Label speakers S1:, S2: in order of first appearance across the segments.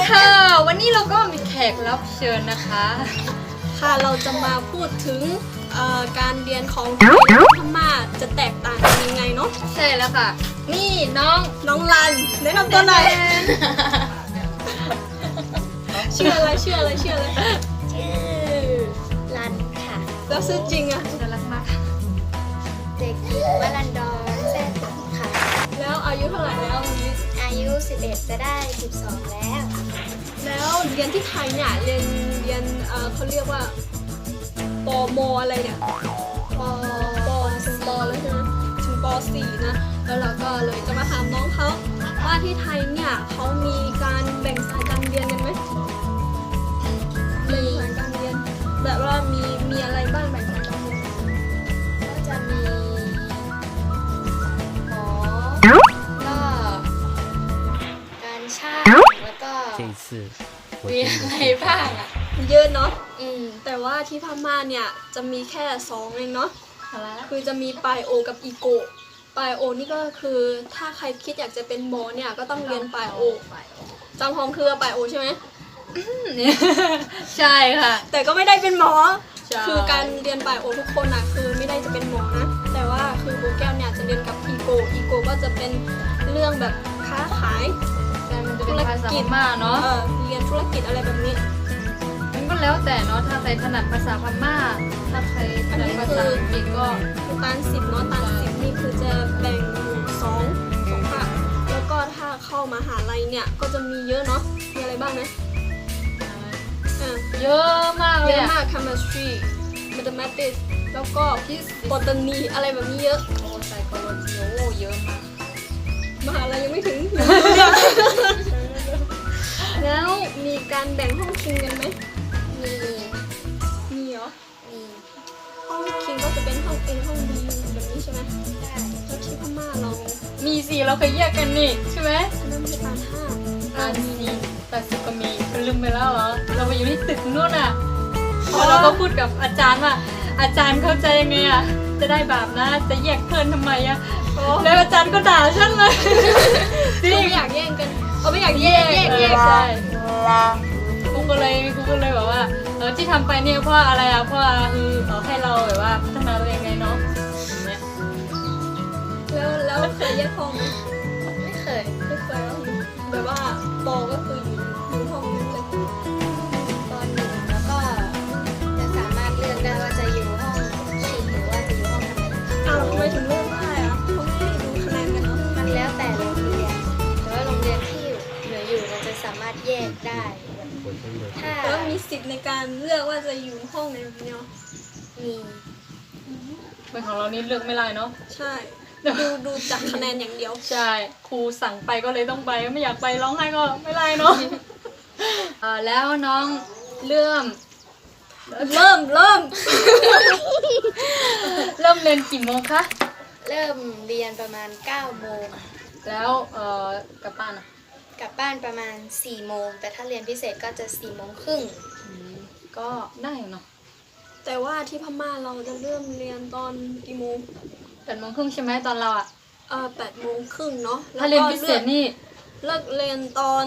S1: ค่ะวันนี้เราก็มีแขกรับเชิญนะคะ
S2: ค่ะเราจะมาพูดถึงการเรียนของพม่าจะแตกต่างกันยังไงเนาะ
S1: ใช่แล้วค่ะนี่น้อง
S2: รันแนะนำตัวหน่อยชื่ออะไรชื่อรันค่ะแล้วชื่อจริงอะ
S1: น่ารักมาก
S3: เด็กหญิงวรันดรแซ่ตึงค่ะ
S2: แล้วอายุเท่าไหร่แล้ววันนี้
S3: อายุ11จะได้12
S2: แล้วเรียนที่ไทยเนี่ยเรียนเขาเรียกว่าปมอะไรเนี่ยปถึงปแล้วใช่ไหมถึงป .4 นะแล้วเราก็เลยจะมาถามน้องเขาว่าที่ไทยเนี่ยเขามีการแบ่งสายการเรียนกันไหมแบ่งสายการเรียนแบบว่ามีอะไรบ้างแบ่งสายการเรียน
S3: ก็จะมีหมอก็การช่างแล้วก็
S1: มีอะไรบ้างอ่ะ
S2: เยอะเนาะแต่ว่าที่พม่าเนี่ยจะมีแค่2เองเนาะคือจะมีปลายโอกับอีโกปลายโอนี่ก็คือถ้าใครคิดอยากจะเป็นหมอเนี่ยก็ต้องเรียนปลายโอจำพองคือปลายโอใช่ไหม
S1: ใช่ค่ะ
S2: แต่ก็ไม่ได้เป็นหมอคือการเรียนปลายโอทุกคนนะคือไม่ได้จะเป็นหมอนะแต่ว่าคือโบแก้วเนี่ยจะเรียนกับอีโกก็จะเป็นเรื่องแบบค้าขาย
S1: ธุรกิจมากเนาะ
S2: เรียนธุรกิจอะไรแบบนี้
S1: มันก็แล้วแต่เนาะถ้าใครถนัดภาษาพม่าถ้าใครถนัดภาษาอังกฤษก็
S2: ตาน10เนาะตาน10นี่คือจะแบ่งอยู่2ภาคแล้วก็ถ้าเข้ามหาลัยเนี่ยก็จะมีเยอะเนาะมีอะไรบ้างนะ
S1: เยอะมากเลย
S2: เยอะมาก chemistry mathematics แล้วก็botany อะไรแบบนี้เยอะ
S1: โอ้ psychology โอ้เยอะมาก
S2: มหาลัยยังไม่ถึงแล้วมีการแบ่งห้องคิงกันไหมมีเหรอห้องคิงก็จะเป็นห้อง A ห้อง B แบบนี้ใช่ไหมใช่แล้วที่พม่าเรา
S1: มีสิเราเคยแยกกันนี่ใช่ไหม
S2: อันนั้นมี
S1: ตาน10ก็มีลืมไปแล้วเหรอเราไปอยู่ที่ตึกนู่นอ่ะแล้วเราก็พูดกับอาจารย์ว่าอาจารย์เข้าใจยังไงอ่ะจะได้บาปนะจะแยกเพื่อนทำไมอ่ะแล้วอาจารย์ก็ด่าฉันเลย
S2: ไม่อยากแย่งกันไม่อยากแยก
S1: ใช่กูก็เลยแบบว่าที่ทำไปเนี่ยเพราะอะไรอ่ะเพราะคือให้เราแบบว่าพัฒนาตัวเองไงเนาะ
S2: แล้วเคยแยกห้องไหม
S3: ไม่เคย
S2: แบบว่าปอก็คืออยู่ห้องนั้นเลย
S3: ตอน1แล้วก็จะสามารถเลือกได้ว่าจะอยู่ห้องคิงหรือว่าจะอยู่ห้องธรรมดา
S2: ทำไมถึงเลือกได้อะเขาไม่ได้ดูคะแนนกันเนาะ
S3: มันแล้วแต่โรงเรียนแต่ว่าโรงเรียนที่เหลืออยู่มันจะสามารถแยกได้
S2: แล้วมีสิทธิ์ในการเลือกว่าจะอยู่ห้องไหนแบบนี้
S3: มี
S1: เป็นของเรานี่เลือกไม่ได้เนาะ
S2: ใช่ดูจากคะแนนอย่างเดียว
S1: ใช่ครูสั่งไปก็เลยต้องไปไม่อยากไปร้องไห้ก็ไม่ได้เนาะแล้วน้องเริ่ม
S2: เรียน
S1: กี่โมงคะ
S3: เริ่มเรียนประมาณ9โมง
S1: แล้วกลับบ้าน
S3: กลับบ้านประมาณ4โมงแต่ถ้าเรียนพิเศษก็จะ4โมงครึ่ง
S1: ก็ได้เนาะ
S2: แต่ว่าที่พม่าเราจะเริ่มเรียนตอนกี่โมง
S1: 8โมงครึ่งใช่ไหมตอนเรา
S2: 8โมงครึ่งเนาะ
S1: ถ้าเรียนพิเศษนี่
S2: เลิกเรียนตอน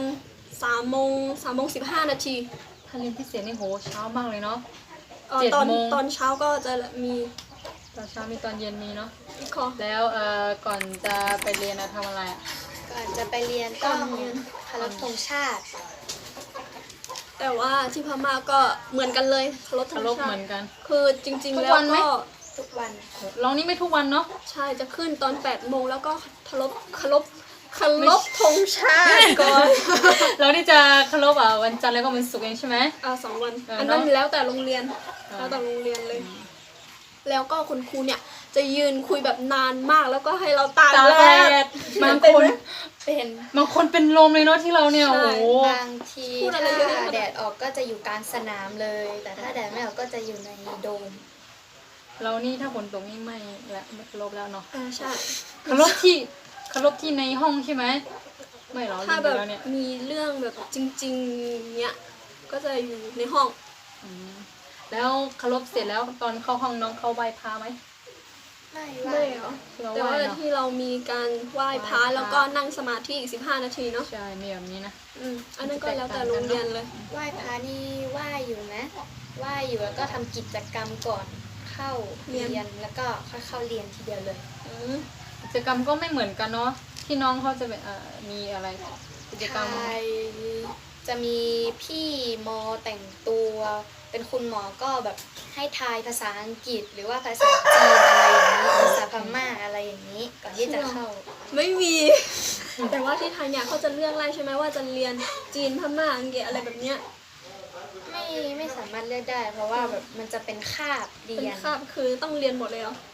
S2: 3โมง15นาที
S1: ถ้าเรียนพิเศษนี่โหเช้ามากเลยเนาะ
S2: ตอนเช้าก็จะมี
S1: ตอนเช้ามีตอนเย็นมีเนาะแล้วก่อนจะไปเรียนทำอะไร
S3: ก่อนจะไปเรียนต้องเคารพธงชาติ
S2: แต่ว่าที่พม่าก็เหมือนกันเลยเคารพธงชาติ
S1: เหมือนกัน
S2: คือจริงๆแล้วก็
S3: ทุกวัน
S1: ลองนี่ไม่ทุกวันเนาะ
S2: ใช่จะขึ้นตอน8โมงแล้วก็เคารพธงชาติก่อน
S1: เราที่จะเคารพวันจันทร์แล้วก็วันศุกร์เองใช่ไหม
S2: 2 วันอันนั้นแล้วแต่โรงเรียนเลยแล้วก็คุณครูเนี่ยจะยืนคุยแบบนานมากแล้วก็ให้เราตากแดด
S1: บางคนเป็นลมเลยเนาะที่เราเนี่ยโอ้โห
S3: บางทีถ้าแดดออกก็จะอยู่กลางสนามเลยแต่ถ้าแดดไม่ออกก็จะอยู่ในโดม
S1: เรานี่ถ้าฝนตกนี่ไม่ละเคารพแล้วเนาะ
S2: ใช่
S1: เคารพที่ในห้องใช่ไหมไม่หรอ
S2: ถ้าแบบมีเรื่องแบบจริงๆเนี้ยก็จะอยู่ในห้อง
S1: แล้วเคารพเสร็จแล้วตอนเข้าห้องน้องเข้าไหว้พระไหม
S3: ไม่
S2: ไม่เหรอ
S1: เรา
S2: แต่
S1: ไหว้
S2: ว่า
S1: เนาะ
S2: ที่เรามีการไหว้พระแล้วก็นั่งสมาธิอีก15 นาทีเนาะ
S1: ใช่มีแบบนี้นะ
S2: อันนั้นก็แล้วแต่โรงเรียนเลย
S3: ไหว้พระนี่ไหว้อยู่นะไหว้อยู่แล้วก็ทำกิจกรรมก่อนเข้าเรียนแล้วก็ค่อยเข้าเรียนทีเดียวเลย
S1: กิจกรรมก็ไม่เหมือนกันเนาะที่น้องเขาจะเป็นมีอะไรกิจกรรม
S3: ใช่จะมีพี่มอแต่งตัวเป็นคุณหมอก็แบบให้ทายภาษาอังกฤษ หรือว่าภาษาจีนอะไรอย่างนี้ภาษาพม่าอะไรอย่างนี้ก่อนที่จะเข้า
S2: ไม่มี แต่ว่าที่ไทยเนี่ยเขาจะเลือกไล่ใช่ไหมว่าจะเรียนจีนพม่าอังกฤษอะไรแบบเนี้ย
S3: ไม่สามารถเลือกได้ เพราะว่าแบบมันจะเป็นคาบเรี
S2: เป็น
S3: ยน
S2: คาบคือต้องเรียนหมดเลยเหรอ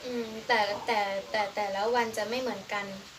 S3: แต่แล้ววันจะไม่เหมือนกัน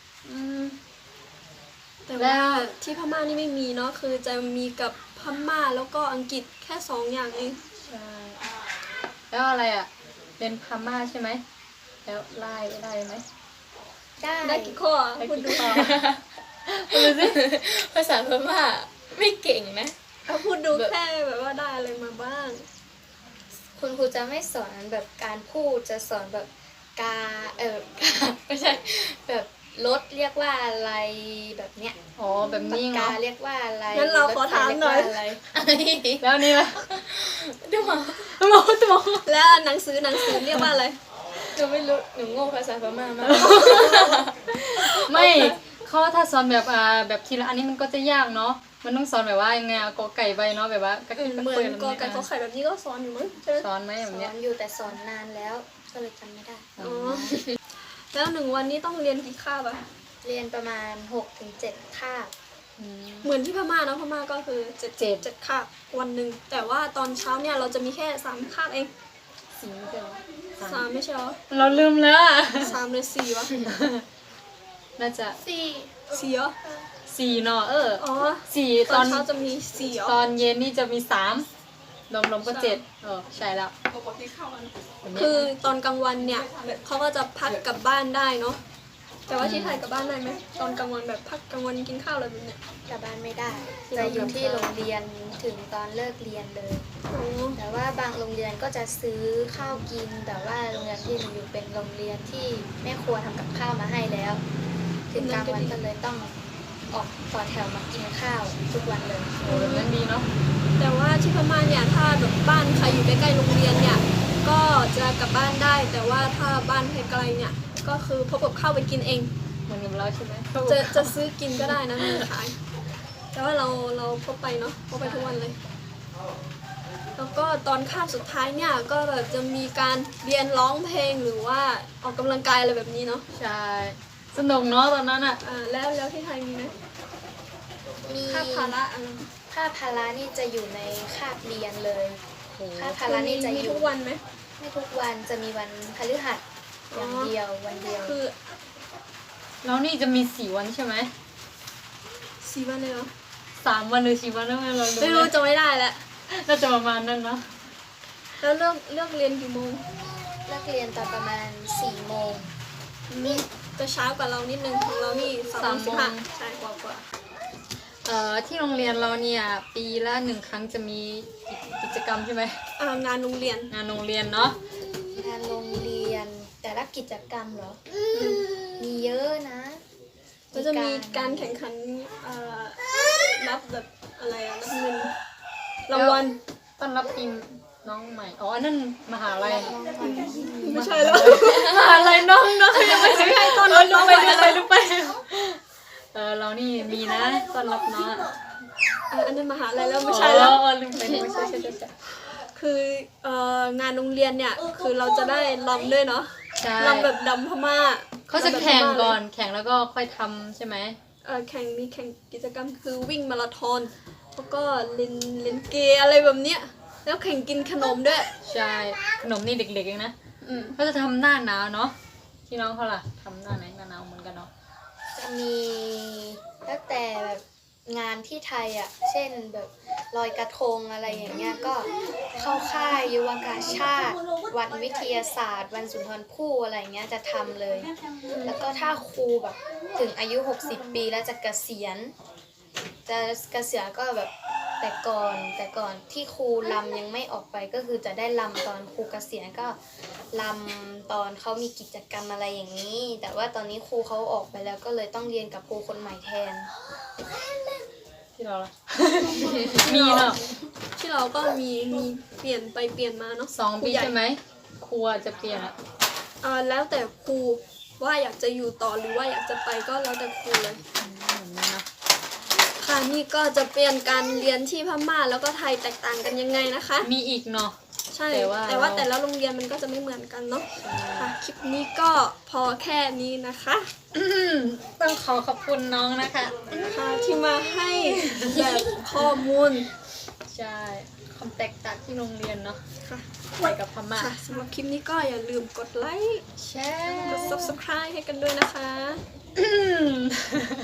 S2: แต่ว่าที่พม่านี่ไม่มีเนาะคือจะมีกับพม่าแล้วก็อังกฤษแค่2 อย่างเอง
S1: ใช่แล้วอะไรเรียนพม่าใช่ไหมแล้วไล่ได้ไหม
S2: ได้กี่ข้อ
S1: ได้
S2: พูด
S1: กี่
S2: ดู
S1: ข้อดูสิ
S3: ภาษาพม่าไม่เก่งนะ
S2: เอาพูดดูแค่แบบว่าได้อะไรมาบ้าง
S3: คุณครูจะไม่สอนแบบการพูดจะสอนแบบกาไม่ใช่แบบรถเรียกว่าอะไรแบบเนี้ย
S1: อ๋อแบบนี้
S3: ปาก
S1: เหร
S3: กา
S1: อ
S3: เรียกว่าอะไร
S2: งั้นเราขอถามหน่อย
S3: รถไฟเรีกว่าอะไร
S1: แล้วนี่ล่ะ
S3: ดูมา
S1: ตัว
S2: แล้วหนังสือเรียกว่าอะไร
S3: หนูไม่รู้หนูโง่ภาษาพม่ามาก
S1: ไม่เขาถ้าสอนแบบทีละอันนี้มันก็จะยากเนาะมันต้องสอนแบบว่ายังไงกอไก่ใบเนาะแบบว่า
S2: เหมือนกอไก่ขอไข่แบบนี้ก็สอนอยู่มั้งใช่ไหม
S1: สอนไหมแบ
S3: ส
S1: บ
S3: อ
S1: เนี้ย
S3: นอยู่แต่สอนนานแล้วก็เลยจำไม่ได้
S2: อ๋อแล้ว1 วันนี้ต้องเรียนกี่คาบอะ
S3: เรียนประมาณ 6-7 คาบ
S2: เหมือนที่พม่าเนาะพม่าก็คือ7 คาบวันหนึ่งแต่ว่าตอนเช้าเนี่ยเราจะมีแค่3 คาบเอง
S1: สีไม่ใช่เหรอ
S2: 3ไม่ใช่เหรอ
S1: เราลืมแล้วอะ
S2: 3หรือ4วะ
S1: น่าจะ
S2: 4เหรอ
S1: 4เนาะ
S2: อ๋อ
S1: สี่
S2: ต
S1: ต
S2: อ
S1: อน น
S2: เช้าจะมี4เหรอ
S1: ตอนเย็นนี่จะมี3รวมก็7ใช่แล้วแบบนี้
S2: คือตอนกลางวันเนี่ยเขาก็จะพักกลับบ้านได้เนาะแต่ว่าที่ไทยกลับบ้านได้ไหมตอนกลางวันแบบพักกลางวันกินข้าวอะไรแบบเนี้ย
S3: กลับบ้านไม่ได้จะอยู่ที่โรงเรียนถึงตอนเลิกเรียนเลย
S2: อ๋อ
S3: แต่ว่าบางโรงเรียนก็จะซื้อข้าวกิน แต่ว่าโรงเรียนที่หนูอยู่เป็นโรงเรียนที่แม่ครัวทำกับข้าวมาให้แล้ว ถึงกลางวันก็เลยต้องออกต่อแถวมากินข้าวทุกวันเลย
S1: โอ้แบบนั้นดีเนาะ
S2: แต่ว่าที่พม่าเนี่ยถ้าแบบบ้านใครอยู่ใกล้ๆโรงเรียนเนี่ยก็จะกลับบ้านได้ แต่ว่าถ้าบ้านไกลๆเนี่ยก็คือพกกับข้าวไปกินเอง
S1: เหมือนกับเราใช่ไหม
S2: จะซื้อกินก็ได้นะมีขาย แต่ว่าเราพกไปเนาะพกไปทุกวันเลย แล้วก็ตอนคาบสุดท้ายเนี่ยก็แบบจะมีการเรียนร้องเพลงหรือว่าออกกำลังกายอะไรแบบนี้เนาะ
S1: ใช่สนุกเนาะตอนนั้นอ่ะ
S2: แล้วที่ไทยมีไหม
S3: มี
S2: คาบภาระอะไร
S3: ค่าพาระนี่จะอยู่ในคาบเรียนเลย
S1: โอ้
S3: ค่าพาระนี่จะ
S2: มี
S3: อยู่
S2: ทุกวันไหม
S3: ไม่ทุกวันจะมีวันพฤหัสอย่างเดียววันเดียว
S2: คือ
S1: แล้วนี่จะมี4 วันใช่ไหม
S2: 4 วันเลยเหรอ
S1: 3 วันหรือ4 วันแล้วเรา
S2: ไม่รู้จะไม่ได้แล้ว
S1: น่าจะประมาณนั้นเนาะ
S2: แล้วเลิกเรียนกี่โมง
S3: เลิกเรียนตอนประมาณ4 โมง
S2: จะช้ากว่าเรานิดนึงของเรานี่3:15ใช่กว่า
S1: ที่โรงเรียนเราเนี่ยปีละ1 ครั้งจะมีกิจกรรมใช่ไหม
S2: งานโรงเรียน
S1: งานโรงเรียนเนาะ
S3: งานโรงเรียนแต่ละกิจกรรมเหรอ มีเยอะนะ
S2: ก็จะมีการแข่งขันรับแบบอะไรรับเงินรางวัล
S1: ต้อนรับปีน้องใหม่อ๋ออันนั้นมหาลัย
S2: ไม่ใช่แล้ว
S1: มหาลัยน้องยังไม่ใช่ตอนรับน้องไปลุกไปเรานี่มีนะต้อนรับน้อง
S2: อันนั้นมหาลัยแล้วไม่ใช่แล้ว
S1: ลืมไปไม่ใช่
S2: คืองานโรงเรียนเนี่ยคือเราจะได้รำด้วยเนาะ
S1: ใช่
S2: รำแบบดำพม่า
S1: เขาจะแข่งก่อนแข่งแล้วก็ค่อยทำใช่ไหม
S2: แข่งมีแข่งกิจกรรมคือวิ่งมาราธอนแล้วก็เล่นเกมอะไรแบบเนี้ยแล้วแข่งกินขนมด้วย
S1: ใช่ขนมนี่เด็กๆเองนะเขาจะทำหน้าหนาวเนาะที่น้องเขาล่ะทำหน้าไหนหน้าหนาวเหมือนกันเนาะ
S3: จะมีตั้งแต่แบบงานที่ไทยอ่ะ เช่นแบบลอยกระทงอะไรอย่างเงี้ยก็เข้าค่ายยุวกาชาติ วันวิทยาศาสตร์ วันสุนทรภู่อะไรอย่างเงี้ยจะทำเลย แล้วก็ถ้าครูแบบถึงอายุ60 ปีแล้วจะเกษียณก็แบบแต่ก่อนที่ครูลำยังไม่ออกไปก็คือจะได้ลำตอนครูเกษียณก็ลำตอนเขามีกิจกรรมอะไรอย่างนี้ แต่ว่าตอนนี้ครูเขาออกไปแล้วก็เลยต้องเรียนกับครูคนใหม่แทน
S1: ที่เราล่ะ มีเนาะ
S2: ที่เราก็มีเปลี่ยนไปเปลี่ยนมาเนาะ
S1: 2 ปี
S2: ครูใหญ่
S1: ใช่ไหมครูจะเปลี่ยนอะ
S2: แล้วแต่ครูว่าอยากจะอยู่ต่อหรือว่าอยากจะไปก็แล้วแต่ครูเลย ค่ะนี่ก็จะเป็นการเรียนที่พม่าแล้วก็ไทยแตกต่างกันยังไงนะคะ
S1: มีอีกเนาะ
S2: ใช่
S1: แต่ว่า
S2: แต่ละโรงเรียนมันก็จะไม่เหมือนกันเนาะค่ะคลิปนี้ก็พอแค่นี้นะคะ
S1: ต้องขอบคุณน้องนะคะ
S2: ค่ะที่มาให้แบบข้อมูล
S1: ใช่ความแตกต่างที่โรงเรียนเนาะ
S2: ค่ะ
S1: ไทยกับพม่า
S2: ค่ะสำหรับคลิปนี้ก็อย่าลืมกดไลค์
S1: แช่
S2: กด subscribe ให้กันด้วยนะคะ